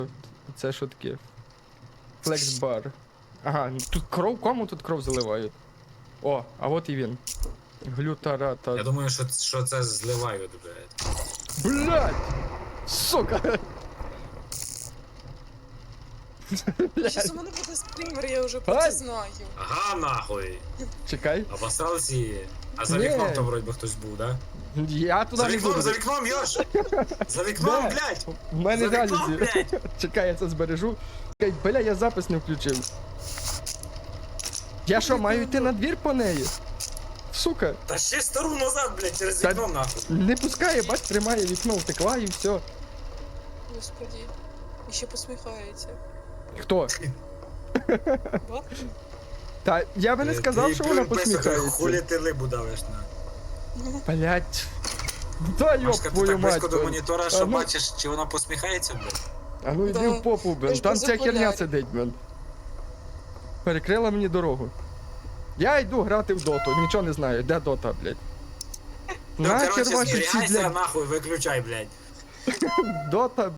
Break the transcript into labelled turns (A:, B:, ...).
A: Це що таке? Флекс-бар. Ага, тут кров, кому тут кров заливають? О, а от і він. Глютарата.
B: Я думаю, що це зливають, блядь.
A: Блядь! Сука!
C: Щас у мене буде скример, я вже про
A: Ай!
C: це знаю.
B: Ага, нахуй.
A: Чекай.
B: Обосрался її. А за
A: Ні.
B: вікном там вроді би хтось був, да?
A: Я туди не буду.
B: За вікном, Йош! За вікном,
A: Де?
B: блядь!
A: В мене
B: За вікном,
A: реально.
B: блядь!
A: Чекай, я це збережу. Чекай, бля, я запис не включив. Я що, маю йти на двір по неї? Сука,
B: Та ще стару назад, блядь, через
A: Та-
B: вікно, нахуй.
A: не пускає, бач, тримає вікно, втекла і все.
C: Господи. І ще посміхається.
A: Хто?
C: Ба?
A: Та я би не сказав, що вона
B: Хулі
A: посміхається.
B: ти либу давиш, на.
A: Блять. Да йоп
B: Машка, ти
A: твою
B: так близько
A: мать.
B: до
A: блядь.
B: монітора,
A: А
B: що
A: ну-
B: бачиш, чи вона посміхається, блядь?
A: А ну йди
C: Да.
A: в попу,
C: Я
A: блин.
C: ж
A: Там
C: без
A: ця херня
C: окулярів.
A: сидить, блин. Перекрила мені дорогу. Я йду грати в доту, нічого не знаю, де дота, блядь.
B: Ну,
A: Нахер
B: короче,
A: ваші ці,
B: зберігайся,
A: блядь,
B: нахуй, виключай, блядь.
A: дота,